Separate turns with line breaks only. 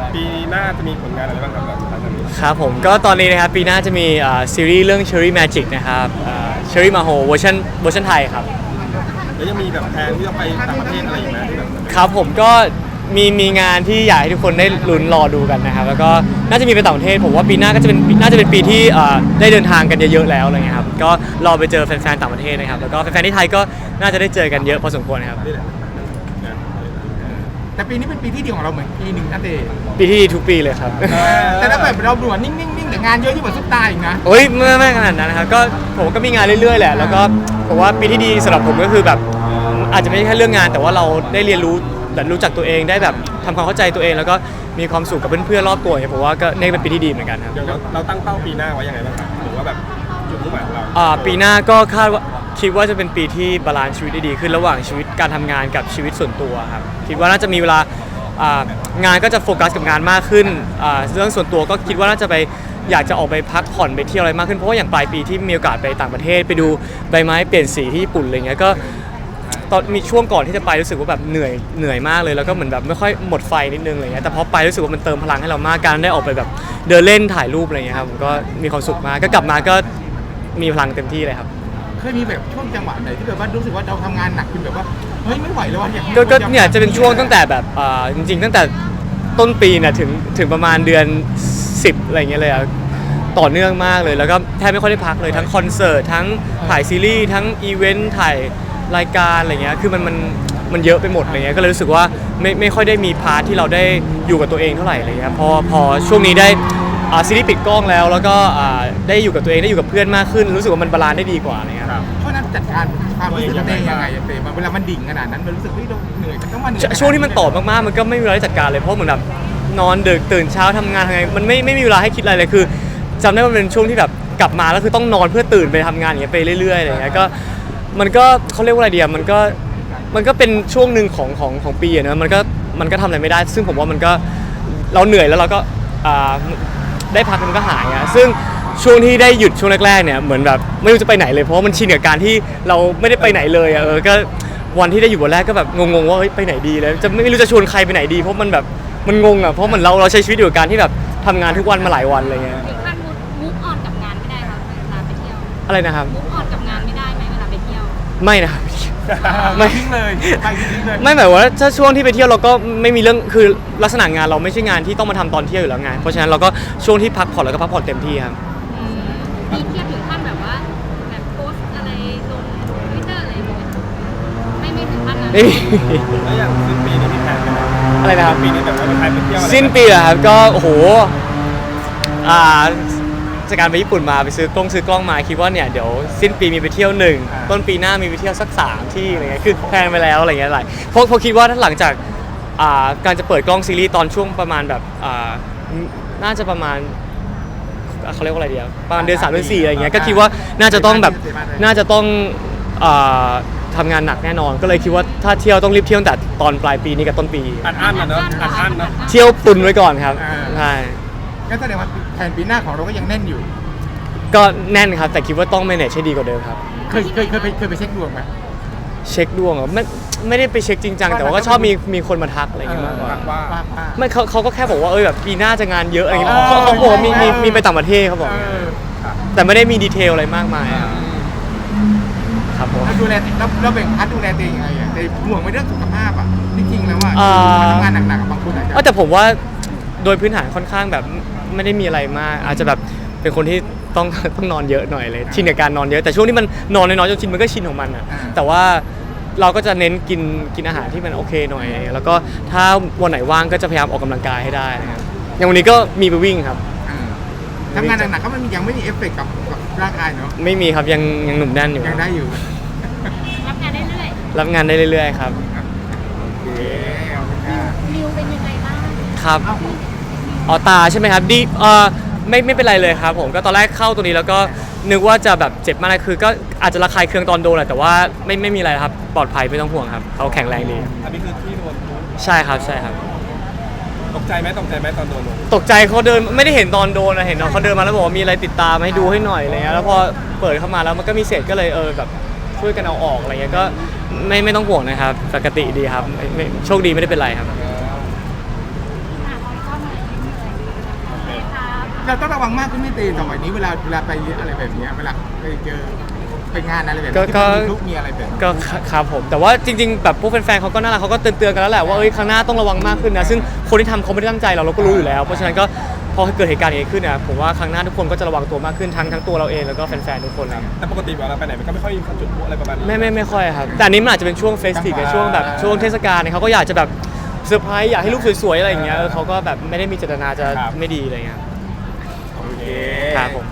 ปีหน้าจะมีผลงานอะไรบ้างครับหลังจากนี้
ครับผมก็ตอนนี้นะครับปีหน้าจะมีซีรีส์เรื่อง Cherry Magic นะครับCherry Maho เวอร์ชันไทยครับ
แล้วยังมีแบบแผนที่จะไปต่างประเทศอะไรอีกไหมที่แบบ
ครับผมก็มีงานที่อยากให้ทุกคนได้ลุ้นรอดูกันนะครับแล้วก็น่าจะมีไปต่างประเทศผมว่าปีหน้าก็จะเป็นน่าจะเป็นปีที่ได้เดินทางกันเยอะๆแล้วอะไรเงี้ยครับก็รอไปเจอแฟนๆต่างประเทศนะครับแล้วก็แฟนๆที่ไทยก็น่าจะได้เจอกันเยอะพอสมควรครับ
แต่ปีนี้เป็นปีที่ดีของเราเหมือนปีหนึ่งนั่นเอง
ปีที่ดีทุกปีเลยครับ
แต่ถ้าแบบเราด่วนนิ่งๆแต่งานเยอะยิ่งกว่าซุปตาอีกนะ
โอ้ยไม่ขนาดนั้นนะครับก็ผมก็มีงานเรื่อยๆแหละแล้วก็ผมว่าปีที่ดีสำหรับผมก็คือแบบอาจจะไม่ใช่แค่เรื่องงานแต่ว่าเราได้เรียนรู้แบบรู้จักตัวเองได้แบบทำความเข้าใจตัวเองแล้วก็มีความสุขกับเพื่อนๆรอบตัวเนี่ยผมว่าก็นี่เป็นปีที่ดีเหมือนกันครับ
เดี๋ยวเราตั้งเป้าปีหน้าไว้ยังไงบ้างครับหรือว่าแบบจุดมุ่งหมายของเรา
ปีหน้าก็คิดว่าจะเป็นปีที่บาลานซ์ชีวิตได้ดีขึ้นระหว่างชีวิตการทำงานกับชีวิตส่วนตัวครับคิดว่าน่าจะมีเวลางานก็จะโฟกัสกับงานมากขึ้นเรื่องส่วนตัวก็คิดว่าน่าจะไปอยากจะออกไปพักผ่อนไปเที่ยวอะไรมากขึ้นเพราะว่าอย่างปลายปีที่มีโอกาสไปต่างประเทศไปดูใบไม้เปลี่ยนสีที่ญี่ปุ่นอะไรเงี้ยก็ตอนมีช่วงก่อนที่จะไปรู้สึกว่าแบบเหนื่อยมากเลยแล้วก็เหมือนแบบไม่ค่อยหมดไฟนิดนึงอะไรเงี้ยแต่พอไปรู้สึกว่ามันเติมพลังให้เรามากการได้ออกไปแบบเดินเล่นถ่ายรูปอะไรเงี้ยครับผมก็มีความสุขมากก็กลับมาก็มีพลังเต็มที่เลยครับ
เคยมีแบบช่วงจังหวะไหนที่แบบว่ารู้สึกว่าเราทำงานหนักจนแบบว่าเฮ้ยไม่ไหวแล้วว่ะอยาก
ก็เนี่ยจะเป็นช่วงตั้งแต่แบบจริงๆตั้งแต่ต้นปีเนี่ยถึงประมาณเดือน10อะไรเงี้ยเลยอะต่อเนื่องมากเลยแล้วก็แทบไม่ค่อยได้พักเลยทั้งคอนเสิร์ตทั้งถ่ายซีรีส์ทั้งอีเวนต์ถ่ายรายการอะไรเงี้ยคือมันเยอะไปหมดอะไรเงี้ยก็เลยรู้สึกว่าไม่ค่อยได้มีพาร์ทที่เราได้อยู่กับตัวเองเท่าไหร่อะไรเงี้ยพอช่วงนี้ได้ซีรีส์ปิดกล้องแล้วก็ได้อยู่กับตัวเองได้อยู่กับเพื่อนมากขึ้นรู้สึกว่ามันบาลานซ์ได้ดีกว่าอะไรเงี้ย
เพราะนั้นจัดการความรู้สึกตัวเองยังไงเต้เวลามันดิ่งขนาดนั้นมันรู้สึกว่าเหนื่อยต้องมาเหนื่อย
ช่วงที่มันต่อมากๆมันก็ไม่มีเวลาได้จัดการเลยเพราะเหมือนแบบนอนดึกตื่นเช้าทำงานไงมันไม่มีเวลาให้คิดอะไรเลยคือจำได้ว่ามันเป็นช่วงที่แบบกลับมาแล้วคือต้องนอนเพื่อตื่นไปทำงานอย่างเงี้ยไปเรื่อยๆอะไรเงี้ยก็มันก็เขาเรียกว่าอะไรเดียมันก็เป็นช่วงหนึ่งของปีนะมันก็ทำอะไรไม่ได้ซึ่งผมว่ามันก็เราเหนื่อยแล้วเราก็ได้พักมันก็หายอะซึ่งช่วงที่ได้หยุดช่วงแรกๆเนี่ยเหมือนแบบไม่รู้จะไปไหนเลยเพราะว่ามันชินกับการที่เราไม่ได้ไปไหนเลยอะก็วันที่ได้อยู่วันแรกก็แบบงงๆว่าเฮ้ยไปไหนดีแล้วจะไม่รู้จะชวนใครไปไหนดีเพราะมันแบบมันงงอะเพราะเหมือนเราใช้ชีวิตอยู่กับการที่แบบทำงานทุกวันมาหลายวันอะไรเงี้ย
ถึงขั้นมูฟออนกับงานไม่ได้ครับเวลาไปเที่ยว
อะไรนะครับ
มูฟออนกับงานไม่ได้ไหมเวลาไปเที่ยว
ไม่นะครับ
ไม่ทิ้งเลยไปทิ้งเลย
ไม่หมายว่าถ้าช่วงที่ไปเที่ยวเราก็ไม่มีเรื่องคือลักษณะงานเราไม่ใช่งานที่ต้องมาทำตอนเที่ยวอยู่แล้วไงเพราะฉะนั้นเราก็ช่วงที่พักผ่อนเราก็พักผ่อนเต็มที่ครับ
มีเที่ยวถึงขั้นแบบว่าแบบโพสอะไรลงทวิตเตอร์อะไรอย่างเงี้ยไม่ถึงขั้นนั้น
ไม่มี
แล้วอย่างสิ้นปีนี้มีแผนกันไหม
อะไรนะครับ
ปีนี้แบบว่าไปเที่ยวอะไร
สิ้นปีเหรอครับก็โอ้โหจากการไปญี่ปุ่นมาไปซื้อกล้องมาคิดว่าเนี่ยเดี๋ยวสิ้นปีมีไปเที่ยว1ต้นปีหน้ามีไปเที่ยวสัก3ที่อะไรเงี้ยคือแพลนไปแล้วอะไรเงี้ยหลายเพราะคิดว่าถ้าหลังจากการจะเปิดกล้องซีรีส์ตอนช่วงประมาณแบบน่าจะประมาณเขาเรียกว่าอะไรดีประมาณเดือน3เดือน4อะไรเงี้ยก็คิดว่าน่าจะต้องทำงานหนักแน่นอนก็เลยคิดว่าถ้าเที่ยวต้องรีบเที่ยวตั้งแต่ตอนปลายปีนี้กับต้นปี
อัดอั้นนะเนอะอัดอั้นนะ
เที่ยวตุนไว้ก่อนครับใช่
ก็แสดงว่าแผนปีหน้าของเราก็ยังแน่นอยู่
ก็แน่นครับแต่คิดว่าต้อง manage ให้ดีกว่าเดิมครับ
เคยไปเช็คดวงไหม
เช็คดวงเหรอไม่ได้ไปเช็คจริงจังแต่ว่าก็ชอบมีคนมาทักอะไรอย่างเงี้ยมากกว่าไม่เขาก็แค่บอกว่าแบบปีหน้าจะงานเยอะอะไรอย่างเงี้ยเขาบอกมีไปต่างประเทศเขาบอกแต่ไม่ได้มีดีเทลอะไรมากมายครับผม
ดูแลเราแบ่งพาร์ทดูแลตัวเองยังไงในห่วงในเรื่องสุขภาพอ่ะจริงๆแล้วว่าทำงานหนักๆกับบางคนอาจจะ
แต่ผมว่าโดยพื้นฐานค่อนข้างแบบไม่ได้มีอะไรมากอาจจะแบบเป็นคนที่ต้องนอนเยอะหน่อยเลยชินกับการนอนเยอะแต่ช่วงที่มันนอนน้อยๆจนชินมันก็ชินของมันอะแต่ว่าเราก็จะเน้นกินอาหารที่มันโอเคหน่อยแล้วก็ถ้าวันไหนว่างก็จะพยายามออกกำลังกายให้ได้นะครับอย่างวันนี้ก็มีไปวิ่งครับ
ทำงานหนักๆก็มันยังไม่มีเอฟเฟกต์กับร่างกายเนาะ
ไม่มีครับยังหนุ่มแน่นอยู่
ยังได้อยู่
รับงานได้เรื่อย
รับงานได้เรื่อยๆครับ
นิวเป็นยังไงบ้าง
ครับตาใช่ไหมครับดีไม่เป็นไรเลยครับผมก็ตอนแรกเข้าตัวนี้แล้วก็นึกว่าจะแบบเจ็บมากคือก็อาจจะระคายเคืองตอนโดนแหละแต่ว่าไม่มีอะไรครับปลอดภัยไม่ต้องห่วงครับเขาแข็งแรงดี
อันนี้คือที่โดน
ใช่ครับ
ตกใจไหมตอนโดน
ตกใจเขาเดินไม่ได้เห็นตอนโดนนะเห็นน้องเขาเดินมาแล้วบอกว่ามีอะไรติดตามให้ดูให้หน่อยอะไรเงี้ยแล้วพอเปิดเข้ามาแล้วมันก็มีเศษก็เลยแบบช่วยกันเอาออกอะไรเงี้ยก็ไม่ต้องห่วงนะครับปกติดีครับโชคดีไม่ได้เป็นไรครับ
เราต้องระวังมากขึ้นไม่ตีสมัยนี้เวลาไปอะไรแบบเนี้ยเวลาไปเจอไปงานอะไรแบบนี้ที่มีทุกมีอะไรแบบนี้
ก็ครับผมแต่ว่าจริงๆแบบพวกแฟนๆเขาก็น่ารักเขาก็เตือนๆกันแล้วแหละว่าครั้งหน้าต้องระวังมากขึ้นนะซึ่งคนที่ทำเขาไม่ได้ตั้งใจเราก็รู้อยู่แล้วเพราะฉะนั้นก็พอเกิดเหตุการณ์อย่างนี้ขึ้นนะผมว่าครั้งหน้าทุกคนก็จะระวังตัวมากขึ้นทั้งตัวเราเองแล้วก็แฟนๆทุกคนครับ
แต่ปกติเวลาไปไหนมันก็ไม่ค่อยมีคนจุดพลุอะไรประมาณนี้
ไม่ค่อยครับแต่อันนี้มันอาจจะเป็นช่วงเฟสติฟช่วงแบบช่วงเทศกาลเนี่ยเขาก็อยากจะแบบเซอร์ไพรส์อยากให้รูปสวยๆอะไรอย่างเงี้ยเขาก็แบบไม่ได้มีเจตนาจะไม่ดีอะไรเงี้ย
โอเค
ครับผม